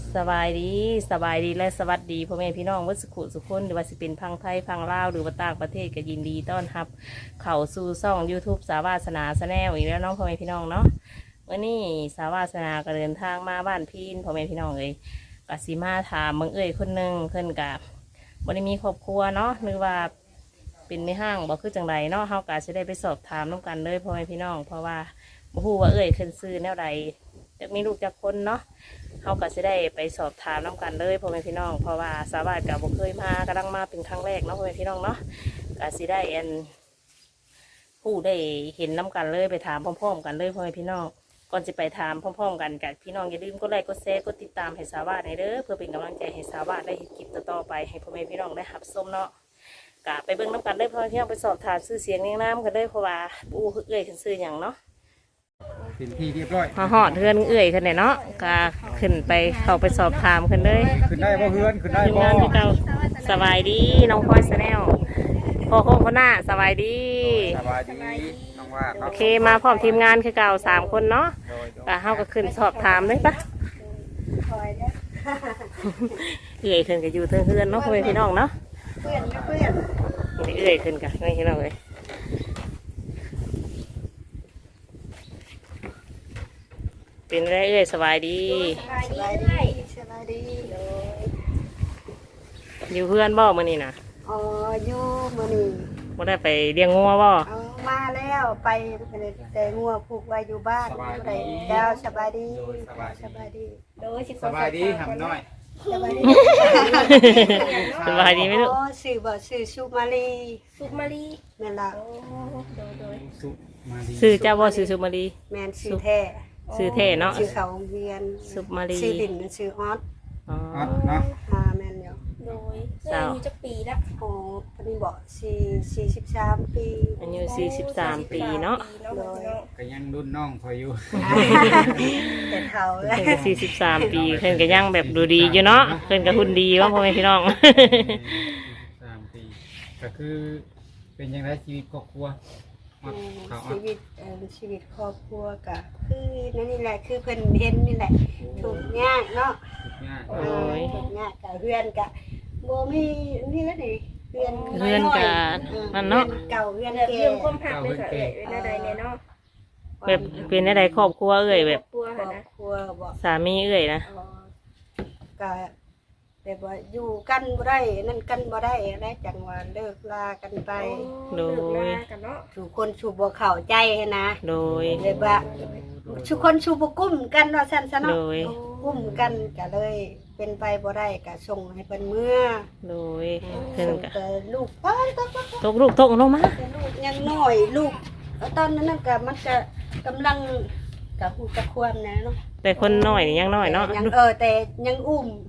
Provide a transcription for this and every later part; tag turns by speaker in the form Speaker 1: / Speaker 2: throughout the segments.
Speaker 1: สบายดีและสวัสดีพ่อแม่พี่น้องวัดสุขุสุขคนหรือว่าสิเป็นพังไทยพังลาวหรือว่าต่างประเทศก็ยินดีต้อนรับเข้าสู่ช่อง YouTube สาวาสนาแนลอีกแล้วน้องพ่อแม่พี่น้องเนาะวันนี้สาวาสนาก็เดินทางมาบ้านพี่พ่อแม่พี่น้องเลยกสิมาถามมึงคนหนึ่งเพิ่นกับบ่ได้มีครอบครัวเนาะหรือว่าเป็นไม่ห้างบ่คือจังไรเนาะเฮาก็จะได้ไปสอบถามน้องกันเลยพ่อแม่พี่น้องเพราะว่าบ่ฮู้ว่าขึ้นซื้อแนวใดจะมีลูกจักคนเนาะเขาก็จะได้ไปสอบถามน้องกันเลยพ่อแม่พี่น้องเพราะว่าสาวาสกับบ่เคยมากำลังมาเป็นครั้งแรกเนาะพ่อแม่พี่น้องเนาะก็จะได้ผู้ได้เห็นน้ำกันเลยไปถามพร้อมๆกันเลยพ่อแม่พี่น้องก่อนจะไปถามพร้อมๆกันกับพี่น้องอย่าลืมกดไลค์กดแชร์กดติดตามให้สาวาสในเด้อเพื่อเป็นกำลังใจให้สาวาสได้เห็นคลิปต่อๆไปให้พ่อแม่พี่น้องได้รับชมเนาะก็ไปเบิ่งน้ำกันเลยพ่อแม่พี่น้องไปสอบถามชื่อเสียงเรียงนามกันเลยเพราะว่าขึ้นซื้ออย่างเนาะ
Speaker 2: เป็นที่เรียบร้อย
Speaker 1: มาหอดเฮือนขึ้นเนี่ยเนาะก็ขึ้นไปเข้าไปสอบถามขึ้นเลย
Speaker 2: ขึ้นได้บ่เฮือนขึ้นได้บ่
Speaker 1: งานที่เก่าสบายดีน้องพลอยแนลพ่อโค้งคนหน้าสบายดี
Speaker 2: สบายดีน้องว่า
Speaker 1: โอเคมาพร้อมทีมงานคือเก่า3 คนเนาะก็เฮาก็ขึ้นสอบถามเลยปะขึ้นก็อยู่เทิงเฮือนเนาะพ่อแม่พี่น้องเนาะเพื่อนขึ้นกันนี่พี่น้องเลยเป็นไรสบายดีอยู่เพื่อนบ่มื้อนี้นะ
Speaker 3: อ๋ออยู่มื้อนี้
Speaker 1: บ่ได้ไปเลี้ยงงัวบ่
Speaker 3: มาแล้วไปแต่งัวผูกไว้อยู่บ้านได้เจ้าสบายดีโดย
Speaker 2: สบายดีหำน้อย
Speaker 3: สบายดี
Speaker 1: สบายดีมั้ยลูก
Speaker 3: อ๋อชื่อสุมาลีแม่นล่ะ
Speaker 2: สุมาลี
Speaker 1: ชื่อเจ้าบ่ชื่อสุมาลี
Speaker 3: แม่นชื่อแท้
Speaker 1: ชื่อแท้เนาะ
Speaker 3: ชื่อเขาเวียน
Speaker 1: สุมาลี
Speaker 3: ชื่อดินชื่อออส
Speaker 2: ออสเนาะ
Speaker 3: แม่นอยู่
Speaker 4: โดยอายุจักปีละ
Speaker 3: โอ้ปานนี้บ่43ปี
Speaker 1: อายุ43ปีเนาะ
Speaker 2: ก็ยังรุ่นน้องพออยู่
Speaker 3: แต่เฒ่าแล้ว
Speaker 1: เพิ่นก็43ปีเพิ่นก็ยังแบบดูดีอยู่เนาะเพิ่นก็หุ่นดีว่าพ่อแม่พี่น้อง
Speaker 2: 43ปีก็คือเป็นจังได๋ชีวิตครอบครัว
Speaker 3: ชีวิตครอบครัวก็คือนี่แหละคือเพิ่นเห็นนี่แหละทุกข์ยากเนาะ
Speaker 2: ทุกข์ยาก
Speaker 3: ทุกข์ยากก็เฮือนก็บ่มีนี่แล้วนี่เฮือน
Speaker 1: ก็นั่นเนาะ
Speaker 3: เก่าเฮือน
Speaker 4: เรื่องความหักเลยค่ะเป็นอะไรเนี่ยเนาะ
Speaker 1: แบบเป็นอะไรครอบครัวแบบ
Speaker 3: ครอบครัวบ่
Speaker 1: สามีนะ
Speaker 3: ก็แบบว่าอยู่กันบ่ได้นั่นกันบ่ได้แล้วจังว่าเลิกลากันไป
Speaker 1: โดย
Speaker 3: ทุกคนชูบ่เข้าใจนะ
Speaker 1: โดย
Speaker 3: แบบว่าทุกคนชูบ่กุ้มกันว่าซั่นซะเนาะกุ้มกันก็เลยเป็นไปบ่ได้ก็ส่งให้เพิ่นเมื่อ
Speaker 1: โดยเพิ่น
Speaker 3: ก็ลูก
Speaker 1: ตกลงมา
Speaker 3: ลูกยังน้อยลูกตอนนั้นก็มันจะกำลังกับฮู้จักความนะเนาะ
Speaker 1: แต่คนน้อยยังน้อยเนาะ
Speaker 3: ยังแต่ยังอุ้ม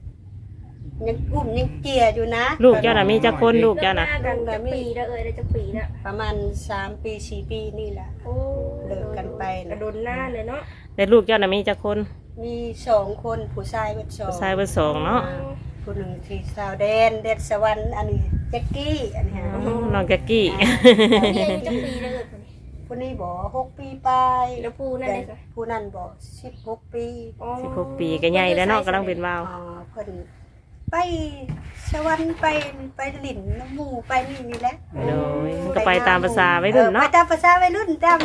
Speaker 3: ยังเจียอยู่นะ
Speaker 1: ลูกเจ้าน่ะมีจักคนลูกเจ้าน่ะ
Speaker 4: จักปีแล้วได้จักปีแล้ว
Speaker 3: ประมาณ3 ปี4 ปีนี่แหละเลิกกันไป
Speaker 4: กระโดนหน้าเลยเนาะ
Speaker 1: แต่ลูกเจ้าน่ะมีจักคน
Speaker 3: มี2 คนผู้ชายเบิด
Speaker 1: 2เนาะ
Speaker 3: ผู้หนึ่งที่สาวแดนสวรรค์อันนี้แจ็คกี้อันนี้
Speaker 1: น้องแจ็คกี้
Speaker 4: มีอายุจักปีแล้ว
Speaker 3: ผู้นี้บ่6 ปีไป
Speaker 4: แล้วผู้นั่นเลยค่ะ
Speaker 3: ผู้นั้นบ่16 ปี
Speaker 1: 16 ปีก็ใหญ่แล้วเนาะกำลังเป็นบ่าว
Speaker 3: เพิ่นไปสวรรค์ไปหลินน้ำหมูไปนี่แหละ
Speaker 1: โดยก็ไปตามภาษาวัยรุ่นเนาะ
Speaker 3: ไปตามภาษาวัยรุ่นตาม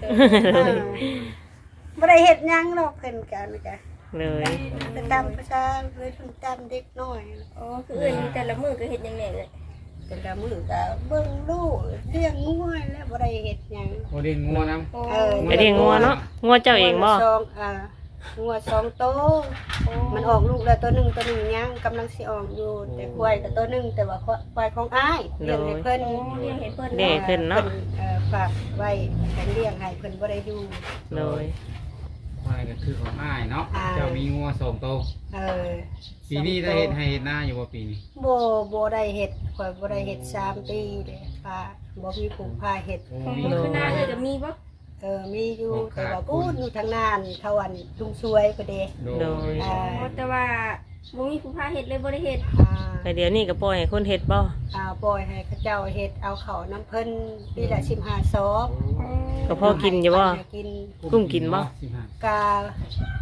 Speaker 3: บ่ได้เฮ็ดหยังหรอกเพิ่นกันจ้ะ
Speaker 1: เลย
Speaker 3: ไปตามภาษาวัยรุ่นตามเด็กน้อย
Speaker 4: คือแต่ละมื้อก็เฮ็ดหยังแน่เลย
Speaker 3: แต่ละมื้อก็เบิ่งลูกเลี้ยงงัวแล้วบ่ได้เฮ็ดหยัง
Speaker 2: บ่ได้งัวนำ
Speaker 1: ไม่ได้งัวเนาะงัวเจ้าเองบ่
Speaker 3: งัว2 โตมันออกลูกแล้วตัวหนึ่งยังกำลังสิออกอยู่แต่ควายกับตัวหนึ่งแต่ว่าควายของอ้ายเลี้ยงให้เพิ่น
Speaker 1: เนาะ
Speaker 3: ฝากไว้เลี้ยงให้เพิ่นบ่ได้อยู่
Speaker 1: เลย
Speaker 2: ควายก็คือของอ้ายเนาะเจ้ามีงัว2 โตปีนี้ได้เฮ็ดให้เฮ็ดนาอยู่บ่ปีนี้
Speaker 3: บ่ได้เฮ็ดข่อยบ่ได้เฮ็ด3 ปีเด้ป้าบ่มีผู้พาเฮ็ด
Speaker 4: คือนาเลยก็มีบ่
Speaker 3: มีอยู่แต่ว่าพูดอยู่ทางนานเขาอันลุงช่วยก็เด้
Speaker 1: โดย
Speaker 4: แต่ว่าบ่มีผู้พาเฮ็ดเลยบ่ได้เฮ็ด
Speaker 1: แต่เดี๋ยวนี้ก็ปล่อยให้คนเฮ็ดบ่
Speaker 3: ปล่อยให้เขาเจ้าเฮ็ดเอาเขาน้ำเพิ่นปีละ15 ซอบ
Speaker 1: ก็พอกินอยู่บ่กุ้งกินบ่
Speaker 3: กะ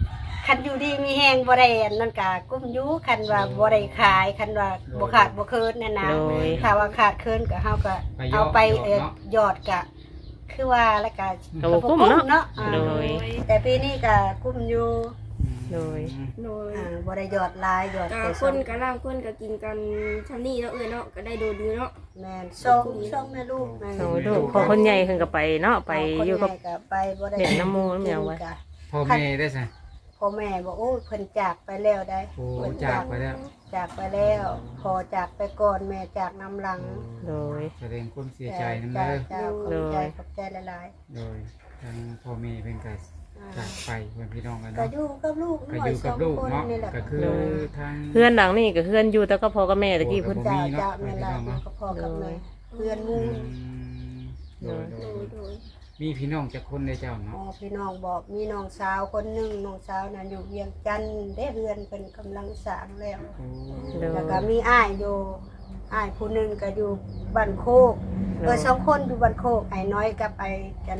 Speaker 3: คันอยู่ดีมีแห้งบ่ได้อันนั่นก็กุ้มอยู่คันว่าบ่ได้ขายคันว่าบ่ขาดบ่เคินนั่นนะ
Speaker 1: โดย
Speaker 3: ถ้าว่าขาดเคินก็เฮาก็เอาไปยอดก็คือว่าแล้วก็
Speaker 1: ก็บ่กุ้มเนาะ
Speaker 3: อ่า
Speaker 1: โดย
Speaker 3: แต่ปีนี้ก็กุ้มอยู่
Speaker 1: โดย
Speaker 4: โดย
Speaker 3: บ่ได้ยอดหลายยอด
Speaker 4: ก็
Speaker 3: แต่
Speaker 4: ค
Speaker 3: ส่วน
Speaker 4: นก็ล่างคนก็กินกันชำนี่เนาะเนาะก็ได้โดนอยู่เนาะ
Speaker 3: แม่นส่งแม่ลูก
Speaker 1: โอ้ลูกพอคนใหญ่ขึ้นก็ไปเนาะไปอยู่กับ
Speaker 3: คนใหญ่ไปบ่ได้
Speaker 1: เด็กน้ำหมู่น้ำหยังวะ
Speaker 2: พ่อแม่ได้ใช่
Speaker 3: พ่อแม่บอกโอ้ยเพิ่นจากไปแล้วได้
Speaker 2: โอ้
Speaker 3: เพิ่น
Speaker 2: จากไปแล้ว
Speaker 3: จากไปแล้วพอจากไปก่อนแม่จากนำหลัง
Speaker 1: โดย
Speaker 2: แสดงความเสียใจนั่นเด้อ
Speaker 3: จ้าขอบใจหลาย
Speaker 2: โดยทางพ่อแม่เพิ่นก็
Speaker 3: ๆ
Speaker 2: จากไปเพื่อนพี่น้องกัน
Speaker 3: ก็
Speaker 2: เนาะ
Speaker 3: อยู่กับลูก
Speaker 2: ก็อยู่กับลูกเนาะ
Speaker 3: นี่แหละ
Speaker 2: ก็คือทาง
Speaker 1: เพื่อนหลังนี่ก็เพื่อนอยู่แต่ก็พอกับแม่ตะกี้เพิ่น
Speaker 3: จ้า
Speaker 2: มีเนาะ
Speaker 3: จ้าแม่ลา
Speaker 2: ไปพี่น้องเนาะ
Speaker 3: ก็พอกับแม่เพื่อนหมู
Speaker 2: โดย
Speaker 4: โดยโดย
Speaker 2: มีพี่น้องจักคนได้เจ้า
Speaker 3: อ๋อ
Speaker 2: เนาะ
Speaker 3: พี่น้องบอกมีน้องสาวคนหนึงน้องสาวนั้นอยู่เวียงจันทน์ได้เรือนเป็นกำลังสร้างแล้ว
Speaker 2: โอ้
Speaker 3: แล้วก็มีอ้ายอยู่อ้ายผู้หนึงก็อยู่บ้านโคกสองคนอยู่บ้านโคกไอ้น้อยกับไอ้จัน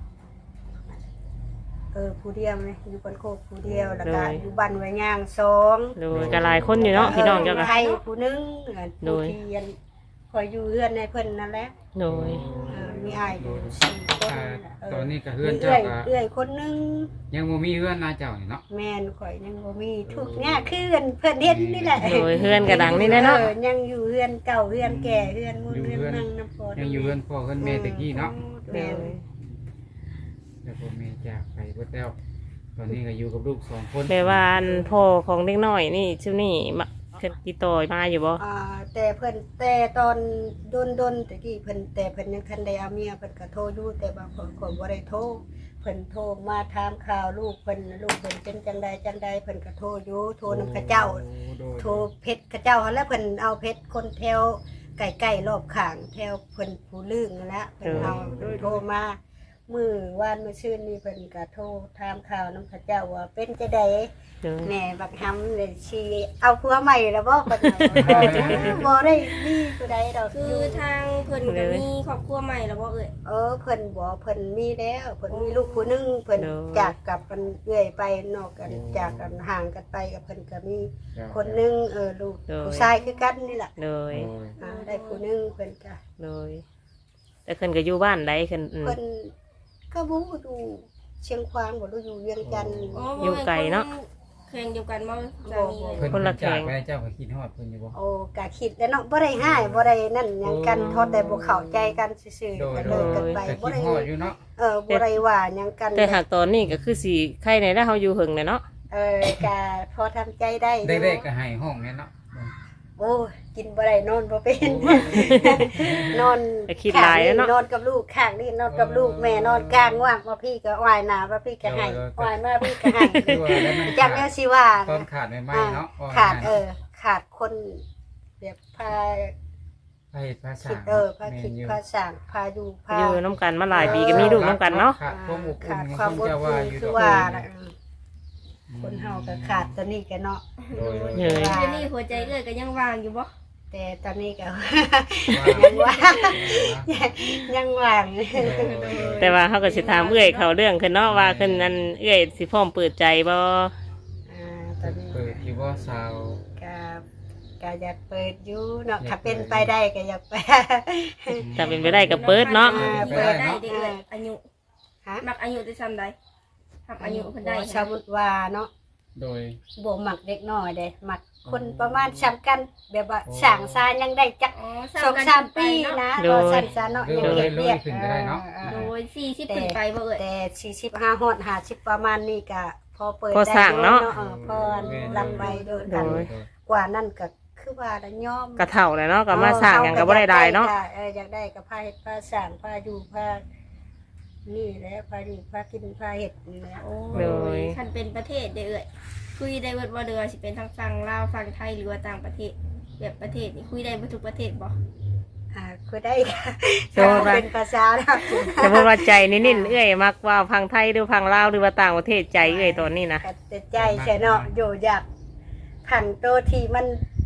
Speaker 3: ผู้เดียวเลยอยู่บ้านโคกผู้เดียวแล้วก็อยู่บ้านไว้ย่างสอง
Speaker 1: โดยก็หลายคนอยู่เนาะพี่น้องเจ้าก็
Speaker 3: ไทยผู้หนึง
Speaker 1: โด
Speaker 3: ผู้
Speaker 1: ย
Speaker 3: ที่เรียนคอยอยู่เรือนในเพิ่นนั่นแหละ
Speaker 1: โดย
Speaker 3: มีอ้ายอยู่สี่คน
Speaker 2: ตอนนี้ก็เฮือน
Speaker 3: มี
Speaker 2: เจ้าก็
Speaker 3: เอื้อยคนหนึง
Speaker 2: ยังบ่มีเฮือนนาเจ้านี่เนาะ
Speaker 3: แม่นข่อยยังบ่มีทุกเนี่ยคือเพิ่นเฮ็ดนี่แหละ
Speaker 1: โดยเพื่อนกระดังนี่แหละเนาะ
Speaker 3: ยังอยู่เรือนเก่าเรือนแก่เรือนมุ่นเรือนนั่งน้ำพอ
Speaker 2: ยังอยู่เฮือนพ่อเฮือนแม่ตะกี้เนาะ
Speaker 1: โดย
Speaker 2: แล้วพ่อแม่จากไปเบิดแล้ว ตอนนี้ก็อยู่กับลูกสองคน
Speaker 1: แม่ว่าอันพ่อของเด็กน้อยนี่ชื่อนี่มาเพิ่นติดต่อมาอยู่บ่
Speaker 3: แต่เพิ่นแต่ตอนดนตะกี้เพิ่นแต่เพิ่นยังทันได้เอาเมียเพิ่นก็โทรอยู่แต่บางคนก็บ่ได้โทรเพิ่นโทรมาถามข่าวลูกเพิ่นเป็นจังใดเพิ่นก็โทรอยู่โทรนำเขาเจ้า
Speaker 2: โดย
Speaker 3: โทรเพชรเขาเจ้าหั่นแหล้วเพิ่นเอาเพชรคนแถวใกล้ๆรอบข้างแถวเพิ่นผู้ลึงนั่นแหละเพิ่นเอาโทรมามื้อวานมื้อชื่นนี่เพิ่นก็โทรถามข่าวนำเขาเจ้าว่าเป็นจังได๋
Speaker 1: โดย
Speaker 3: แม่บักหำเลยชีเอาผัวใหม่แล้วบ่ก็บ่ได้มีผู้ใดดอก
Speaker 4: คือทางเพิ่นก็มีครอบครัวใหม่แล้วบ่
Speaker 3: เพิ่นบ่เพิ่นมีแล้วเพิ่นมีลูกผู้หนึงเพิ่นจากกับมันเอื้อยไปนอกกันจากกันห่างกันไปกับเพิ่นก็มีคนหนึงลูกผู้ชายคือกันนี่แหละ
Speaker 1: โดย
Speaker 3: ได้ผู้หนึงเพิ่นก็
Speaker 1: โดยแต่เพิ่นก็อยู่บ้านใดเพิ่น
Speaker 3: เพิ่นก็บ่ดูเชียงควางบ่รู้อยู่เวียงจันทน์
Speaker 1: อยู่ไกลเนาะ
Speaker 4: แข่งเดียวกันบ่สามี
Speaker 2: เพิ่น
Speaker 1: คนละแข
Speaker 2: จาก
Speaker 1: ง
Speaker 2: ไปเจ้าก็คิดฮอดเพิ่นอยู่บ่
Speaker 3: โอ้กะคิดแล้วเนาะบ่ได้ห้ายบ่ได้นั่นหยังกันทอดแต่บ่เข้าใจกันซื่อ
Speaker 2: โด
Speaker 3: ๆ
Speaker 2: ย
Speaker 3: ก็
Speaker 2: โด
Speaker 3: เลิกกันไป
Speaker 2: ยแต่
Speaker 3: บ่
Speaker 2: คิด
Speaker 3: ได้
Speaker 2: ฮอดอยู่เนาะ
Speaker 3: บ่ได้ว่าหยังกัน
Speaker 1: แต่หากตอนนี้ก็คือสิใครในแล้วเฮาอยู่หึงเลยเนาะ
Speaker 3: กะพอทำใจได้
Speaker 2: ได้ๆก็ให้ห้องแม่เนาะ
Speaker 3: โอ้ยกินบ่ได้นอนบ่เป็น นอน
Speaker 1: ก็คิดหลายแล้วเนาะ
Speaker 3: นอนกับลูกข้างนี่นอนกับลูกแม่นอนกลางว่างว่าพี่ก็ว่ายหน้าว่าพี่ก็ให้ว่ายมาพี่ก็ให้
Speaker 2: คือว่าแล้วมัน
Speaker 3: จักแนวสิว่า
Speaker 2: ตอนขาดใหม่ๆเนาะ
Speaker 3: ขาดคนแบบพา
Speaker 2: พาเฮ็ดภาษา
Speaker 3: คิดพาคิดพาสร้างพาอยู่พา
Speaker 1: อยู่น้ำกันมาหลายปีก็มีลูกน้ำกันเนาะ
Speaker 2: ขาดความอบอุ่
Speaker 3: ขาด
Speaker 2: น
Speaker 3: ความอด
Speaker 2: จะ
Speaker 3: ท
Speaker 2: ว่าน อยู่
Speaker 3: คือว่าน่ะคนเฮาก็ขาดตัวนี้กันเนาะ
Speaker 2: โดย
Speaker 1: เยย
Speaker 4: เดี๋ยวนี้หัวใจเอ้ยก็ยังว่างอยู่บ่
Speaker 3: แต่ตอนนี้ก็ ยังว่างยังว่าง
Speaker 1: แต่ว่าเฮาก็สิถามเอื้อยเขาเรื่องขึ้นเนาะว่าขึ้นนั้นเอื้อยสิพร้อมเปิดใจบ่
Speaker 3: ตอนนี้
Speaker 2: เปิดอยู่ว่าสาว
Speaker 3: ก็อยากเปิดอยู่เนาะถ้าเป็นไปได้ก็อยากไป
Speaker 1: ถ้าเป็นไปได้ก็เปิดเนาะ
Speaker 4: เปิดได้เด้ออายุ
Speaker 3: ฮะ
Speaker 4: มักอายุได้ซ้ำใดทำอายุเพิ่นได้
Speaker 3: สมมุติว่าเนาะ
Speaker 2: โดย
Speaker 3: บ่มักเด็กน้อยเด้มักคนประมาณซ้ำกันแบบว่าสร้างซายังได้จัก
Speaker 4: อ๋อ
Speaker 3: 2-3 ปีนะบ่สั้นซะเนาะยังเฮ็ดเวียก
Speaker 4: โดย40ขึ้นไปบ่เอ้ย
Speaker 3: แต่45ฮอด50ประมาณนี้ก็พอเปิด
Speaker 1: พอสร้างเนาะ
Speaker 3: พอลำไปโดยกัน
Speaker 1: โดย
Speaker 3: กว่านั้นก็คือว่าละยอม
Speaker 1: กระเท่าเลยเนาะก็มาสร้างหยังก็บ่ได้ได้เนาะ
Speaker 3: อยากได้ก็พาเฮ็ดพาสร้างพาอยู่พานี่แหละพาอยู่พากินพาเฮ็ดนี่แหละ
Speaker 4: โอ้
Speaker 1: โดย
Speaker 4: คันเป็นประเทศเด้อเอ้ยคุยได้เบิดบ่เด้อสิเป็นทางฝั่งลาวฝั่งไทยหรือว่าต่างประเทศแบบประเทศนี่คุยได้บ่ทุกประเทศบ่
Speaker 3: คือได้ค่ะ
Speaker 1: โดยว่า
Speaker 3: เป็นภาษาแล้ว
Speaker 1: สมมติว่าใจนิ่นๆเอื้อยมักว่าพังไทยหรือพังลาวหรือว่าต่างประเทศใจเอื้อยตอนนี้นะ
Speaker 3: แต่ใจใช่เนาะอยู่อยากขันโตที่มันผ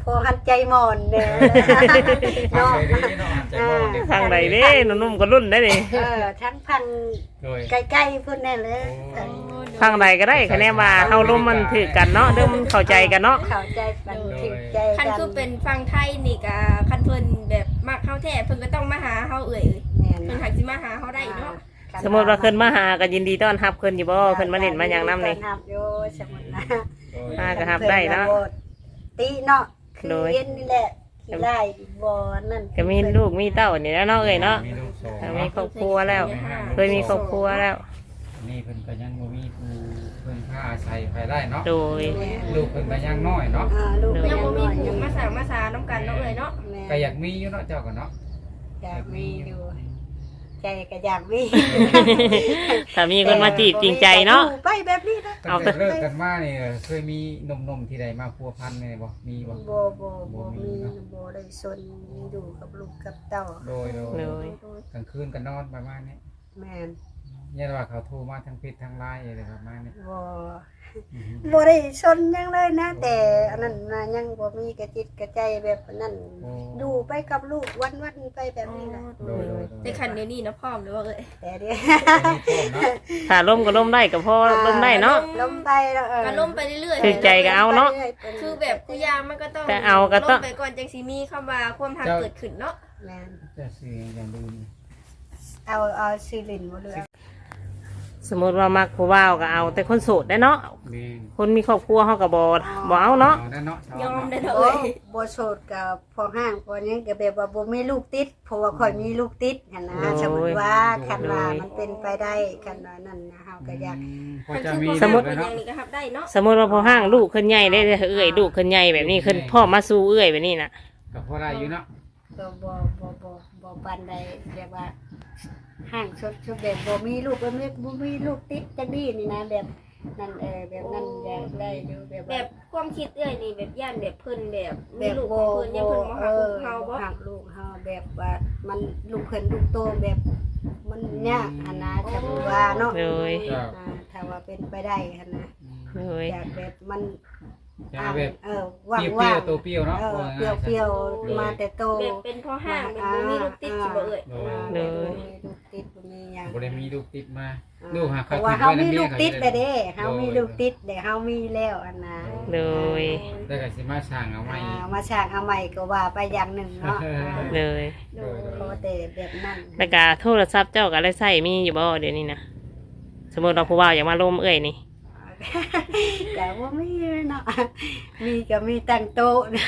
Speaker 3: อหันใจหมอนเด้อ
Speaker 2: ฟัง
Speaker 3: เนาะ
Speaker 2: เลยเนาะใจมองเนี่ย
Speaker 1: ทางใดเด้นุ่มๆก็รุ่นได้ดิ
Speaker 3: ทั้งพัง
Speaker 2: โดย
Speaker 3: ใกล้ๆพุ่นแน่เลย
Speaker 1: ทางใดก็ได้คะแนนว่าเฮาลมมันถือกันเนาะเด้อมันเข้าใจกันเนาะ
Speaker 3: เข้าใจกันถึงใจ
Speaker 4: คัน
Speaker 3: กัน
Speaker 4: คือเป็นฟังไทยนี่ก็คันเพิ่นแบบมักเฮาแท้เพิ่นก็ต้องมาหาเฮาเอ่ย
Speaker 3: แม่น
Speaker 4: เพิ่นหักสิมาหาเฮาได้เนาะ
Speaker 1: สมมุติว่าเพิ่นมาหาก็ยินดีต้อนรับเพิ่นอยู่บ่เพิ่นมาเล่นมาหยังนำนี่
Speaker 3: ต้อรับอยู่สมมุตินะ
Speaker 2: โดย
Speaker 1: มาก็รับได้เนาะ
Speaker 3: ตีเนาะคือ
Speaker 1: โดย
Speaker 3: เย็นนี่แหละขี้ไล่บ่นั่น
Speaker 1: ก็มีลูกมีเต้านี่แหล้วเนาะเอ้ยเนาะ
Speaker 2: มีลูกสอง
Speaker 1: มีครอบครัวแล้ว เคยมีครอบครัวแล้ว
Speaker 2: นี่เพิ่นก็ยังบ่มีผู้เพิ่นพาอาศัยไปได้เนาะ
Speaker 1: โดย
Speaker 2: ลูกเพิ่นก็ยังน้อยเนาะ
Speaker 3: ลูกก็
Speaker 4: ยั
Speaker 3: ยัง ง
Speaker 4: บ่มี
Speaker 3: น้อย
Speaker 4: ผู้
Speaker 3: ยัง
Speaker 4: มาสร้างมาสาน้ำกันเนาะเอ่ยเนาะ
Speaker 3: แม่
Speaker 2: ก็อยากมีอยู่เนาะเจ้าก็เนาะ
Speaker 3: อยากมีอยู่ใจก็อยากมี
Speaker 1: ถ้ามีคนมาจีบจริงใจเนาะ
Speaker 3: อยู่ไปแบบนี้นะ
Speaker 2: ตั้งแต่เลิกกันมานี่เคยมีหนุ่มๆที่ใดมาพัวพันนี่บ่มีบ่
Speaker 3: บ่มีบ่ได้สนอยู่กับลูกกับเต้า
Speaker 2: โดย
Speaker 1: โดย
Speaker 2: กลางคืนก็นอนประมาณนี้
Speaker 3: แม่น
Speaker 2: เนี่ยว่าเขาโทรมาทางเพจทางไลน์อะไรประมาณนี้
Speaker 3: บ่ได้สนหยังเลยนะ แต่อันนั้นนะยังบ่มีกระจิตกระใจแบบนั้นอยู่ไปกับลูกวันๆไปแบบนี้นะ
Speaker 2: โดย
Speaker 4: แต่คันเดี๋ยวนี้เนาะพร้อมหรือว่าเอ่ย
Speaker 3: แต่เดี๋ยว
Speaker 1: ถ้าล่มก็ล่มได้ก็พอล่มได้เนาะ
Speaker 3: ล้มไปแล้ว
Speaker 4: ก็ล่มไปเรื่อยๆ
Speaker 1: คือใจก็เอาเนาะ
Speaker 4: คือแบบกูยามมันก็ต้อง
Speaker 1: แต่เอาก็ต้อง
Speaker 4: ล่มไปก่อนจังสิมีคำว่าความทักเกิดขึ้นเนาะ
Speaker 3: แม่น
Speaker 2: จะซื้ออย่างดูนี่
Speaker 3: เอาซีลินบ่เลย
Speaker 1: สมมติว่ามักผู้บ่าวก็เอา แต่คนโสดได้เนาะ
Speaker 2: แม่น
Speaker 1: คนมีครอบครัวเฮาก็บ่เอาเนาะ
Speaker 2: เอาได้เนาะ
Speaker 4: ยอมได้
Speaker 3: บ่
Speaker 4: เนาะเอ่ย
Speaker 3: บ่โสดกับพอห้างพอหยังก็แบบว่าบ่มีลูกติดเพราะว่าข่อยมีลูกติดหั่นนะสมมุติว่าคันว่ามันเป็นไปได้คันว่านั่นนะเฮาก็อยาก
Speaker 2: พอจะมี
Speaker 1: สมมุติ
Speaker 2: เลย
Speaker 4: อ
Speaker 2: เนาะ
Speaker 4: ย่างนี้ก็รับได้เนาะ
Speaker 1: สมมติว่าพอห้างลูกขึ้นใหญ่ได้เอ้ยลูกขึ้นใหญ่แบบนี้ขึ้นพ่อมาสู่เอ้ยแบบนี้น่ะ
Speaker 2: ก็พอได้อยู่เนาะ
Speaker 3: ก็บ่ปานใดแบบว่าห้างชุดแบบบ่มีลูกบ่มีลูกติดจังนี้นี่นะแบบนั่นแบบนั้นอยากได้อยู่แบบ
Speaker 4: แบ
Speaker 3: ว่า
Speaker 4: บความคิดเอ้ยนี่แบบย่านแบบเพิ่นแบบ
Speaker 3: แบ
Speaker 4: มี
Speaker 3: บ
Speaker 4: ลูกข
Speaker 3: บ่
Speaker 4: องเพิ่นยังเพิ่นมาหาลูกเฮาบ่
Speaker 3: หักลูกเฮาแบบว่ามันลูกเพิ่นลูกโตแบบมันยากหั่นนะจะว่าเนาะ
Speaker 1: เลย
Speaker 3: ถ้าว่าเป็นไปได้หั่นนะ
Speaker 1: เลย
Speaker 3: อยากแบบมัน
Speaker 2: จะแบบ
Speaker 3: ว่าง
Speaker 2: เปรี้ยวๆตัวเปรี้ยวเนาะ
Speaker 3: เปรี้ยวๆมาแต่โต
Speaker 4: แบบเป็นพ่อห้างเป็นบ่มีลูกติดสิบ่เอ่ย
Speaker 3: ลูกติดบ่มีหยัง
Speaker 2: บ่ได้มีลูกติดมาลูกหา
Speaker 3: เพ
Speaker 2: เขา
Speaker 3: ราะว่า
Speaker 2: ติด
Speaker 3: เฮา
Speaker 2: ไว้
Speaker 3: มี
Speaker 2: นำ
Speaker 3: ลู
Speaker 2: เมีย
Speaker 3: ก
Speaker 2: เขา
Speaker 3: ติด
Speaker 2: จะ
Speaker 3: ไปเด้เฮามีลูกติดเด้เฮามีแล้วอันนะ
Speaker 1: เลย
Speaker 2: แล้วก็สิมาสร้างเอาใหม่
Speaker 3: มาสร้างเอาใหม่ก็ว่าไปอย่างหนึ่งเนาะ
Speaker 1: เลย
Speaker 3: ขอแต่แบบนั้น
Speaker 1: แล้วก็โทรศัพท์เจ้าก็ได้ใช้มีอยู่บ่เดี๋ยวนี้นะสมมติเราผู้บ่าวอยากมาล่มเอ้ยนี่
Speaker 3: แต่ว่ามีเนาะมีก็มีตั้งโต๊ะนะ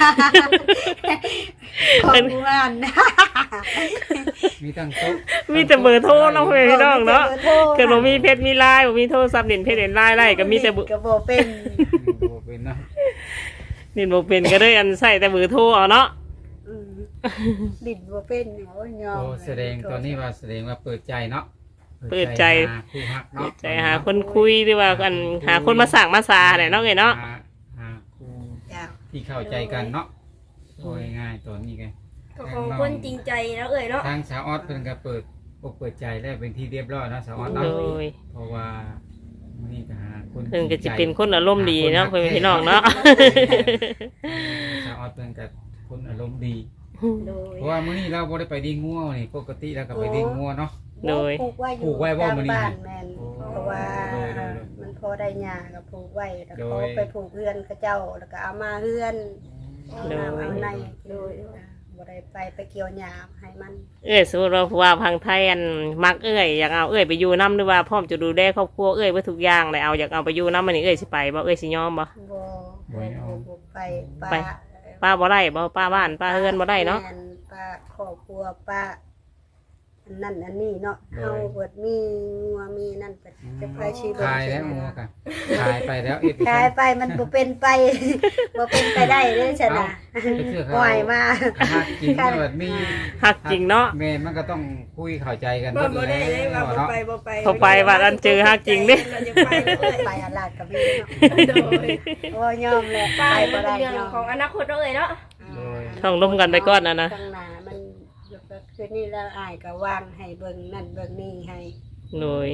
Speaker 3: ของงานนะ
Speaker 2: มีตั้งโต๊ะ
Speaker 1: มีแต่เบอร์โทรเนาะเพื่อนพี่น้องเนาะเกิดบ่มีเพจมีไลน์บ่มีโทรศัพท์เด่นเพจเด่นไลน์ไล่ก็มีแต่เบอร์
Speaker 3: ก็บ่เป็น
Speaker 2: บ่เป็นเนาะ
Speaker 1: เด่นบ่เป็นก็ได้อันใส่แต่เบอร์โทรเอาเนาะ
Speaker 3: อืมดินบ่เป็นโอ้ยยอม
Speaker 2: โอ้แสดงตอนนี้ว่าแสดงว่าเปิดใจเนาะ
Speaker 1: เปิดใจ
Speaker 2: หาคู่ฮักเนาะ
Speaker 1: ใจหาคนคุยหรือว่ากันหาคนมาสั่งมาซาเนี่ยเนาะเอ้ยเนาะ
Speaker 2: หาคู่
Speaker 3: จ้า
Speaker 2: ที่เข้าใจกันเนาะโอ้ยง่ายตัวนี้ไง
Speaker 4: ก็ของคนจริงใจแล้วเอ่ยเนาะ
Speaker 2: ทางสาวออสเพิ่นก็เปิดอกเปิดใจแล้วเป็นที่เรียบร้อยเนาะสาวออส
Speaker 1: โด
Speaker 2: เนาะ
Speaker 1: ย
Speaker 2: เพราะว่ามื้อนี้ก็หาคน
Speaker 1: เพิ่นก็สิเป็นคนอารมณ์ดีเนาะเพื่อนพี่น้องเนาะ
Speaker 2: สาวออสเพิ่นก็คนอารมณ์ดี
Speaker 3: โดย
Speaker 2: เพราะว่ามื้อนี้เราบ่ได้ไปดิ้งงัวนี่ปกติแล้วก็ไปดิ้งงัวเนาะ
Speaker 1: โดย
Speaker 3: ปลูกไว้อยู่
Speaker 2: ปลูกไว้บ่
Speaker 3: ตาม
Speaker 2: มื้อนี้
Speaker 3: บ้านแม่น
Speaker 2: โอ้
Speaker 3: เพราะว่า
Speaker 2: โดย
Speaker 3: มันพอได้หญ้าก็ปลูกไว้แล้ว
Speaker 2: โด
Speaker 3: เขา
Speaker 2: ย
Speaker 3: ไปปลูกเฮือนเขาเจ้าแล้วก็เอามาเฮือนเอา
Speaker 1: โดย
Speaker 3: น้ำเอาในโดยบ่ได้ไปเกี่ยวหญ้าให้มัน
Speaker 1: เอ้ยสมมติว่าผู้ว่าพังไทยอันมักเอ้ยอยากเอาเอ้ยไปอยู่น้ำหรือว่าพร้อมจะดูแลครอบครัวเอ้ยไว้ทุกอย่างเลยเอาอยากเอาไปอยู่น้ำมันนี่เอ้ยสิไปบ่เอ้ยสิยอมบ่
Speaker 3: บ่ไป
Speaker 1: ไป ป้าบ่ได้บ่ป้าบ้านป้าเฮือนบ่ได้เนาะ
Speaker 3: แม่ป้าครอบครัวป้าอันนั่นอันนี้เนาะเฮาเบิดมีงัวมีนั่นก็จะไปชีวิต
Speaker 2: ขายแล้วงัวกันขายไปแล้ว
Speaker 3: ขายไปมันบ่เป็นไป บ่เป็นไปได้เด้อฉันน่ะ
Speaker 2: ไปเชื่อเขา
Speaker 3: ปล่อยมา
Speaker 2: หักจริงเกิดมี
Speaker 1: หักจริงเนาะ
Speaker 2: แม่มันก็ต้องคุยเข้าใจกัน
Speaker 4: บ่ได้เลยว่าบ่
Speaker 2: เนาะ
Speaker 4: ไปบ่ไป
Speaker 1: พอไปว่าอันเจอหักจริงเด้
Speaker 4: เราจะไปเลย
Speaker 3: ไปอาลาดกับพี่
Speaker 4: โดย
Speaker 3: โอ้ยอมเลย
Speaker 4: ไป
Speaker 3: ไป
Speaker 4: มั
Speaker 3: บ่
Speaker 4: น
Speaker 3: ได้
Speaker 4: เป็นเรื่อง
Speaker 3: ยอม
Speaker 4: ของอนาคตเอ่ยเนาะ
Speaker 1: ต้องร่วมกันไปก่อนนะ
Speaker 3: ข้างหน้ามันคือนี่แล้วอายก็วางให้เบิ่งนั่นเบิ่งนี่ให้
Speaker 1: โดย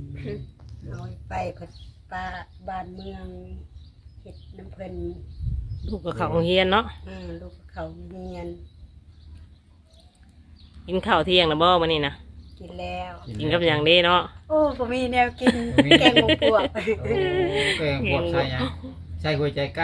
Speaker 3: เอาไปเพิ่นป้าบ้านเมืองเฮ็ดน้ำเพิ่น
Speaker 1: ลูกกับเขาโรงเรียนเนาะ
Speaker 3: ลูกเขาเรียน
Speaker 1: กินข้าวเที่ยงนะบ่มื้อนี้นะ
Speaker 3: กินแล้ว
Speaker 1: กินกับอย่างนี้เนาะ
Speaker 3: โอ้ผมมีแนวกินแกงหมูปวก
Speaker 2: แกงบวกใส่หยังใส่หัวใจไก่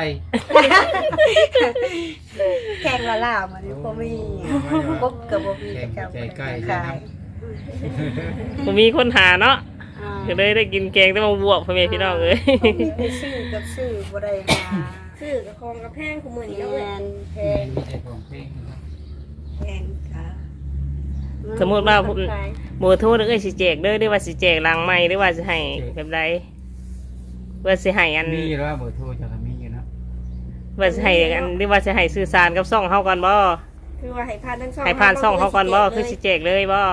Speaker 3: แกงละล่ามันนี่ผมมีกบกับบ่มี
Speaker 2: แกง
Speaker 3: เจ้า
Speaker 2: หัวใจไก่
Speaker 3: ขา
Speaker 2: ใส่
Speaker 3: ย
Speaker 2: น้
Speaker 1: ผมมีคนหาเนาะ
Speaker 3: อ่า
Speaker 1: ก็เลยได้กินแกงแต่มาบวกพ่อแม่พี่น้องเอ้ย
Speaker 3: ได้ซื้อกับซื้อบ่ได้มา
Speaker 4: ซื้อกับคองกับแพงคู่มื้อนี้
Speaker 3: แพ
Speaker 4: เนาะเอ้ย
Speaker 3: งแพ
Speaker 2: ำ
Speaker 3: ง
Speaker 2: มีแต่ของเพลงนะครับ
Speaker 3: แพงค่ะ
Speaker 1: สมมุติว่าผมหมูโทษเอ้ยสิแจกเด้อหรือว่าสิแจกลังใหม่หรือว่าสิให้แบบใดว่าสิให้อัน
Speaker 2: มีแล้วเบอร์โทรจะมีอยู่นะ
Speaker 1: ว่าสิให้อันหรือว่าสิให้สื่อสารกับซ่องเฮาก่อนบ่
Speaker 4: คือว่าให้ผ่านทั้งสอง
Speaker 1: ให้ผ่านซ่องเฮาก่อนบ่คือสิแจกเลยบ่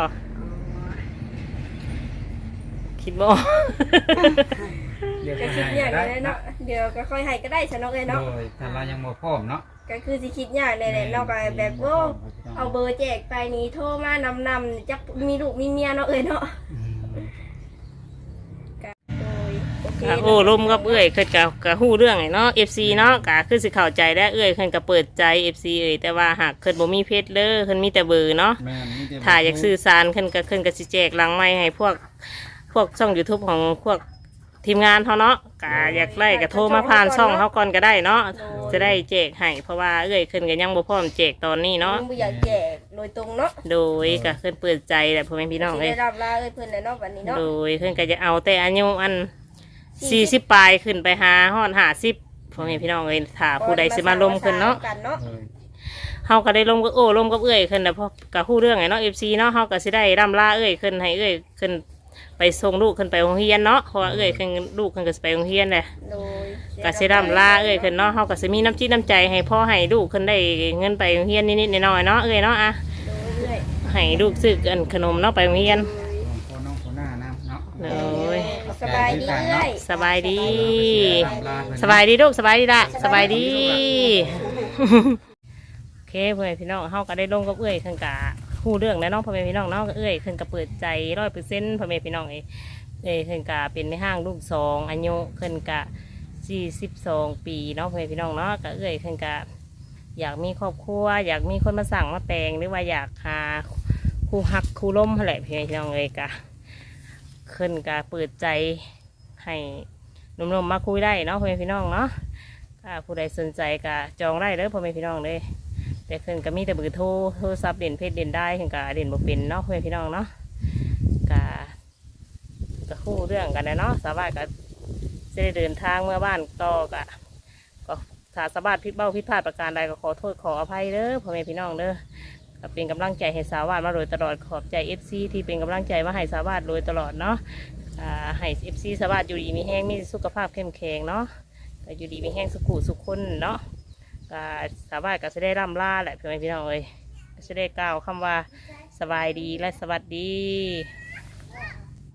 Speaker 1: คิดบ่
Speaker 2: เดี๋ยว
Speaker 4: ก็
Speaker 2: จะ
Speaker 4: คิด
Speaker 2: ให้
Speaker 4: อย่าง
Speaker 2: ได้
Speaker 4: เลย
Speaker 2: เนาะ
Speaker 4: เนาะเดี๋ยวก็ค่อยให้ก็ได้ฉันเนาะเอ้ย
Speaker 2: โด
Speaker 4: เนาะ
Speaker 2: ยถ้าเรายังบ่พร้อมเนาะ
Speaker 4: ก็คือสิคิดอย่างเลยแหละเนาะก็แบบโอ้เอาเบอร์แจกไปนี้โทรมานำจักมีลูกมีเมียเนาะเอ้ยเนาะ
Speaker 2: อืม
Speaker 4: โดยโอเค
Speaker 1: โอ้ลมกับเอ้ยเพิ่นก็ฮู้เรื่องไอ้เนาะ FC เนาะก็คือสิเข้าใจได้เอ้ยเพิ่นก็เปิดใจ FC เอ้ยแต่ว่าหากเพิ่นบ่มีเพจเด้อเพิ่นมีแต่เบอร์เนาะ
Speaker 2: แม่นมีแต่
Speaker 1: ถ้าอยากสื่อสารเพิ่นก็สิแจกหลังไม้ให้พวกช่อง YouTube ของพวกทีมงานเฮาเนาะก็อยากได้ก็โทรมาผ่านช่องเฮาก่อนก็ได้เนาะจะได้แจกให้เพราะว่าเอ้ยเพิ่นก็ยังบ่พร้อมแจกตอนนี้เนาะ
Speaker 4: ยังบ่อยากแจกโดยตรงเนาะ
Speaker 1: โดยก็เพิ่นเปิดใจแหละพ่อแม่พี่น้อง
Speaker 4: สิ
Speaker 1: เอ้ย
Speaker 4: ได้รับลาเอ้ยเพิ่นแล้วเนาะวันนี้เนาะ
Speaker 1: โดยเพิ่นก็จะเอาแต่อายุอัน40ปลายขึ้นไปหาฮอด50พ่อแม่พี่น้องเอ้ยถ้าผู้ใดสิมาลมขึ้นเนาะ
Speaker 4: กันเนาะ
Speaker 2: เออ
Speaker 1: เฮาก็ได้ลมกับลมกับเอ้ยขึ้นนะเพราะก็ฮู้เรื่องไงเนาะ FC เนาะเฮาก็สิได้ร่ำลาเอ้ยขึ้นให้เอ้ยขึ้นไปส่งลูกขึ้นไปโรงเรียนเนาะเพราะว่าเอ้ยขึ้นลูกขึ้นก็สิไปโรงเรียนแหละ
Speaker 4: โดย
Speaker 1: ก็สิร่ำลาเอ้ยขึ้นเนาะเฮาก็สิมีน้ำจิตน้ำใจให้พ่อให้ลูกขึ้นได้เงินไปโรงเรียนนิดๆหน่อยๆเนาะเอ้ยเนาะอะ
Speaker 4: โดยเรื่อย
Speaker 1: ให้ลูกซื้ออันขนมเนาะไปโรงเรียน
Speaker 2: ของน้องคนหน้านะเนาะ
Speaker 1: โดย
Speaker 4: สบายดีเรื่อย
Speaker 1: สบายดี
Speaker 2: ลาเพิ่น
Speaker 1: สบายดีลูกสบายดีละสบายดี โอเคพ่อแม่พี่น้องเฮาก็ได้ลงกับเอ้ยขึ้นกะฮู้เรื่องแล้วเนาะพ่อแม่พี่น้องเนาะเอ้ยขึ้นกะเปิดใจ100%พ่อแม่พี่น้องขึ้นกะเป็นในห้างลูก2อายุขึ้นกะ42 ปีเนาะพ่อแม่พี่น้องเนาะก็เอ้ยขึ้นกะอยากมีครอบครัวอยากมีคนมาสั่งมาแต่งหรือว่าอยากหาคู่ฮักคู่ล้มอะไรพ่อแม่พี่น้องกะขึ้นกะเปิดใจให้หนุ่มๆมาคุยได้เนาะพ่อแม่พี่น้องเนาะผู้ใดสนใจกะจองได้เลยพ่อแม่พี่น้องเลยแต่ขึ้นก็มีแต่เบอร์โทรศัพท์เด่นเพจเด่นได้ขึ้นกะเด่นบ่เป็นเนาะพ่อแม่พี่น้องเนาะก็คู่เรื่องกันนะเนาะสาวบ้านก็จะได้เดินทางเมื่อบ้านก็ถ้าสาวบ้านผิดพลาดประการใดก็ขอโทษขออภัยเด้อพ่อแม่พี่น้องเด้อก็เป็นกำลังใจให้สาวบ้านมาโดยตลอดขอบใจ FC ที่เป็นกำลังใจมาให้สาวบ้านโดยตลอดเนาะให้ FC สาวบ้านอยู่ดีมีแห้งมีสุขภาพเข้มแข็งเนาะก็อยู่ดีมีแห้งสุขุสุขคนเนาะก็สาวบ้านก็จะได้ร่ำลาแหละพ่อแม่พี่น้องเอ้ยก็จะได้กล่าวคำว่าสบายดีและสวัสดี